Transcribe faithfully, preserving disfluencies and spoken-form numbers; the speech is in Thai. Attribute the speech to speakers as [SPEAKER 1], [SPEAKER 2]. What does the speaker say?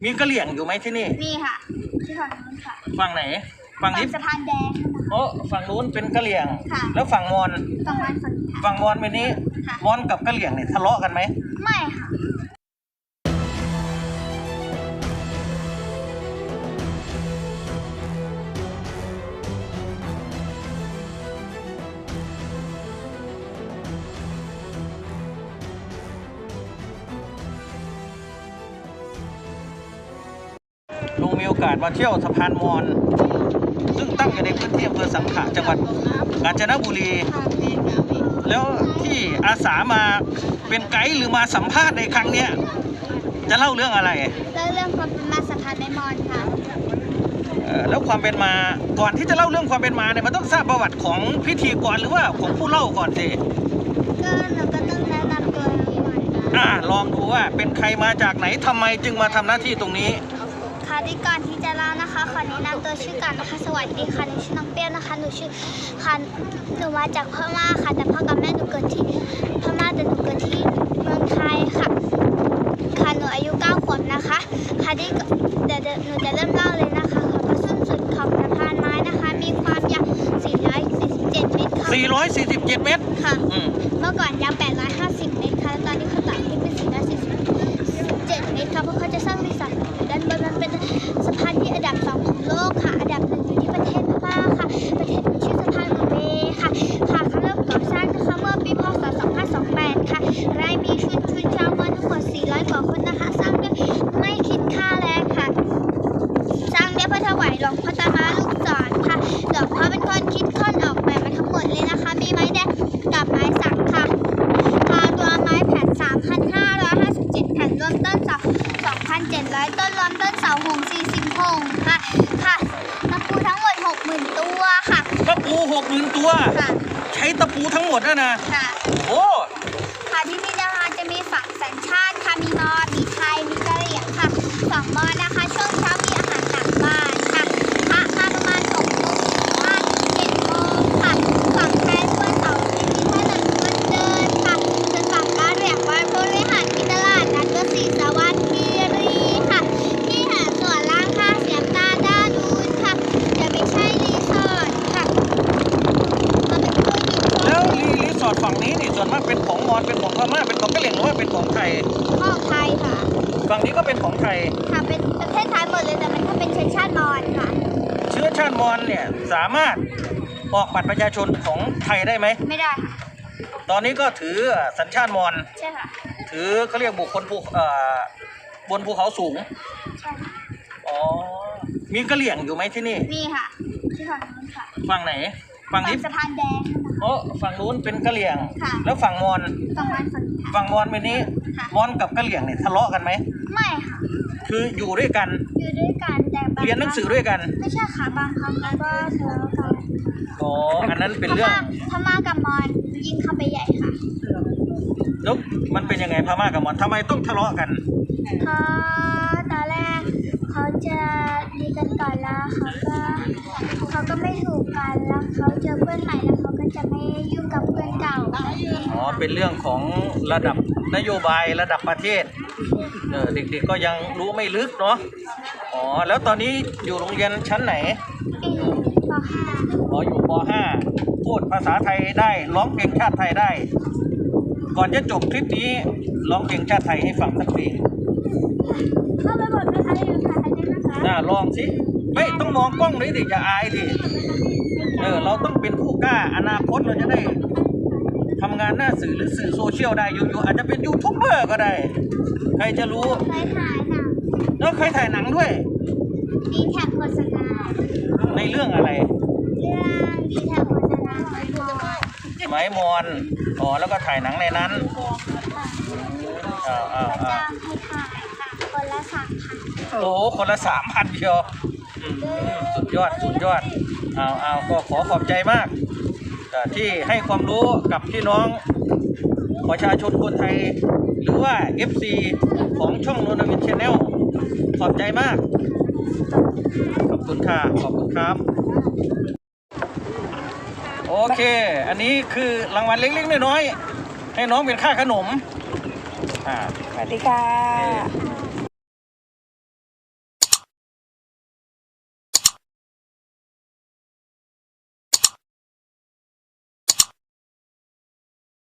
[SPEAKER 1] มีกะเหรี่ยงอยู่ไหมที่นี่
[SPEAKER 2] มีค่ะที่ฝั่งนู้นค่ะ
[SPEAKER 1] ฝั่งไหนฝั่งนี้
[SPEAKER 2] สะพานแดง
[SPEAKER 1] โอ้ฝั่งนู้นเป็นกะเหรี่ยง
[SPEAKER 2] แล้ว
[SPEAKER 1] ฝั่งมอญ
[SPEAKER 2] ฝั่งมอญ
[SPEAKER 1] ฝั่งมอญเป็นนี้มอญกับกะเหรี่ยงเนี่ยทะเลาะกันไหม
[SPEAKER 2] ไม่ค่ะ
[SPEAKER 1] ลุงมีโอกาสมาเที่ยวสะพานมอญซึ่งตั้งอยู่ในพื้นที่อำเภอสังขะจังหวัดกาญจนบุรีแล้วที่อาสามาเป็นไกด์หรือมาสัมภาษณ์ในครั้งเนี้ยจะเล่าเรื่องอะไร
[SPEAKER 2] เล่าเรื่องความเป็นมาสะพานไม้มอญค่ะ
[SPEAKER 1] แล้วความเป็นมาก่อนที่จะเล่าเรื่องความเป็นมาเนี่ยมันต้องทราบประวัติของพิธีกรหรือว่าของผู้เล่าก่อนสิ
[SPEAKER 2] ก็เราก็ต้องแนะนำตัวหน่อย
[SPEAKER 1] อ่าลองดูว่าเป็นใครมาจากไหนทำไมจึงมาทำหน้าที่ตรงนี้
[SPEAKER 2] ค่ะที่ก่อนที่จะเล่านะคะขอแนะนำตัวชื่อก่อนนะคะสวัสดีค่ะหนูชื่อน้องเปี้ยวนะคะหนูชื่อค่ะหนูมาจากพม่าค่ะแต่พ่อกับแม่หนูเกิดที่พม่าแต่หนูเกิดที่เมืองไทยค่ะค่ะหนูอายุเก้าขวบนะคะค่ะที่เดี๋ยวหนูจะเริ่มเล่าเลยนะคะค่ะพระส้นสุดของสะพานไม้นะคะมีความยาวสี่ร้อยสี่สิบเจ็ดเมตรค่ะ
[SPEAKER 1] สี่ร้อยสี่สิบเจ็ดเมตร
[SPEAKER 2] ค่ะเมื่อก่อนยาวแปดร้อยห้าสิบเมตรค่ะตอนนี้เขาตัดให้เป็นสี่ร้อยสี่สิบเจ็ดเมตรค่ะเพราะเขาจะสร้างรีสอร์ทด้านบนมันเป็นสะพานที่อันดับสองของโลกค่ะอันดับหนึ่งอยู่ที่ประเทศพม่าค่ะประเทศชื่อสะพานมูเบค่ะค่ะเขาเริ่มก่อสร้างนะคะเมื่อปีพ.ศ. สองพันห้าร้อยยี่สิบแปดค่ะรายมีชุนชุนชาวมอญทั้งหมดสี่ร้อยกว่าคนนะคะสร้างด้วยไม่คิดค่าแรงค่ะสร้างด้วยพระถวายหลวงพ่อตามาลูกศรค่ะหลวงพ่อเป็นคนคิดค้นออกแบบมาทั้งหมดเลยนะคะมีไม้แดงกับไม้สักค่ะค่ะตัวไม้แผ่น สามพันห้าร้อยห้าสิบเจ็ด แผ่นรวมต้นเสา สองพันเจ็ดร้อย ต้นรวมต้นเสาหงสี่สิบหงค่ะค่ะตะปูทั้งหมด หกหมื่น ตัวค่ะ
[SPEAKER 1] ตะปู หกหมื่น ตัว
[SPEAKER 2] ค่ะ
[SPEAKER 1] ใช้ตะปูทั้งหมดนะนะ
[SPEAKER 2] ค่ะ
[SPEAKER 1] โอ้
[SPEAKER 2] ค่ะที่นี่นะคะจะมีฝั่งสัญชาติค่ะมีมอญมีไทยมีกะเหรี่ยงค่ะฝั่งมอญนะคะช่วงเช้ามีอาหารหลังบ้านค่ะพระมาประมาณหกโมงห้าถึงเจ็ดโมงค่ะฝั่งไทยวันเสาร์ที่มีถนนคนเดินค่ะส่วนฝั่งกะเหรี่ยงวันพฤหัสมีตลาดนัดวัดศรีสวัสดิ์คีรีค่ะที่หาดส่วนล่างค่ะเสียมตาด้านนู้นค่ะจะไม่ใช่รีสอร์ทค่ะมาเป็นผู้หญิง
[SPEAKER 1] แล้วรีสอร์ทฝั่งนี้นี่ส่วนมากเป็นของมอญเป็นของพม่าเป็นของกะเหรี่ยงหรือว่าเป็นของไทย
[SPEAKER 2] ของไทยค่ะ
[SPEAKER 1] ฝั่งนี้ก็เป็นของไทย
[SPEAKER 2] ค่ะเป็นประเทศไทยหมดเลยแต่มันก็เป็นเชื้อชาติมอญค่ะ
[SPEAKER 1] เชื้อชาติมอญเนี่ยสามารถออกบัตรประชาชนของไทยได้ไหม
[SPEAKER 2] ไม่ได้
[SPEAKER 1] ตอนนี้ก็ถือสัญชาติมอญ
[SPEAKER 2] ใช่ค่ะ
[SPEAKER 1] ถือเขาเรียกบุคคลภูเอ่อบนภูเขาสูง
[SPEAKER 2] ใช่
[SPEAKER 1] อ๋อมีกะเหรี่ยงอยู่ไหมที่นี่
[SPEAKER 2] มีค่ะที่ฝั่งนู้นค่ะ
[SPEAKER 1] ฝั่งไหนฝั่งนี้
[SPEAKER 2] สะพานแดง
[SPEAKER 1] โอ้ฝั่งนู้นเป็นกะเหรี่ยง
[SPEAKER 2] แล้
[SPEAKER 1] วฝั่งมอญ
[SPEAKER 2] ฝั่งมอญ
[SPEAKER 1] ฝั่งมอญเป็นนี้มอญกับกะเหรี่ยงเนี่ยทะเลาะกันไหม
[SPEAKER 2] ไม่ค่ะ
[SPEAKER 1] คืออยู่ด้วยกัน
[SPEAKER 2] อยู่ด้วยกันแต่
[SPEAKER 1] เรียนหนังสือด้วยกัน
[SPEAKER 2] ไม่ใช่ค่ะบางครั้งแล้วก็ทะเลาะกัน
[SPEAKER 1] อ๋ออันนั้นเป็นเรื่อง
[SPEAKER 2] พม่ากับมอญยิงเข้าไปใหญ่ค่ะ
[SPEAKER 1] แล้วมันเป็นยังไงพม่ากับมอญทำไมต้องทะเลาะกัน
[SPEAKER 2] เพราะตอนแรกเขาจะดีกันก่อนแล้วเขาก็เขาก็ไม่ถูกกันแล้วเขาเจอเพื่อนใหม่แล้วเขาก็จะไม่ยุ่งกับเพื่อนเก่า
[SPEAKER 1] อ๋อเป็นเรื่องของระดับนโยบายระดับประเทศเออเด็กๆก็ยังรู้ไม่ลึกเนาะอ๋อแล้วตอนนี้อยู่โรงเรียนชั้นไหน
[SPEAKER 2] อยู่ป.ห้า
[SPEAKER 1] อ๋ออยู่ป.ห้า พูดภาษาไทยได้ร้องเพลงชาติไทยได้ก่อนจะจบคลิปนี้ร้องเพลงชาติไทยให้ฟังสักเพลง
[SPEAKER 2] เข้าไปบทนะคะอยู่ไทยได้นะคะ
[SPEAKER 1] น่าลองสิไม่ต้องมองกล้องเลยดิอย่าอายดิเออเราต้องเป็นผู้กล้าอนาคตเราจะได้ทำงานหน้าสื่อหรือสื่อโซเชียลได้อยู่ๆอาจจะเป็นยูทูบเบอร์ก็ได้ใครจะรู้
[SPEAKER 2] เคยถ่ายหนัง
[SPEAKER 1] แล้วเคยถ่ายหนังด้วย
[SPEAKER 2] ดีแท็กโฆษณา
[SPEAKER 1] ในเรื่องอะไร
[SPEAKER 2] เรื่องดีแท็กโฆษณาไม้มอญ
[SPEAKER 1] ไม้มอญอ๋อแล้วก็ถ่ายหนังในนั้นอ้าวอ้าวอ้าว
[SPEAKER 2] ให้ถ่ายค่ะคนละสามพัน
[SPEAKER 1] โอ้คนละสามพันเชียวสุดยอดสุดยอดเอาเอาก็ขอขอบใจมากที่ให้ความรู้กับพี่น้องประชาชนคนไทยหรือว่า เอฟ ซี ของช่องโนนาวิน Channel ขอบใจมากขอบคุณค่ะขอบคุณครับโอเคอันนี้คือรางวัลเล็กๆน้อยๆให้น้องเป็นค่าขนม
[SPEAKER 3] อ่าสวัสดีค่ะ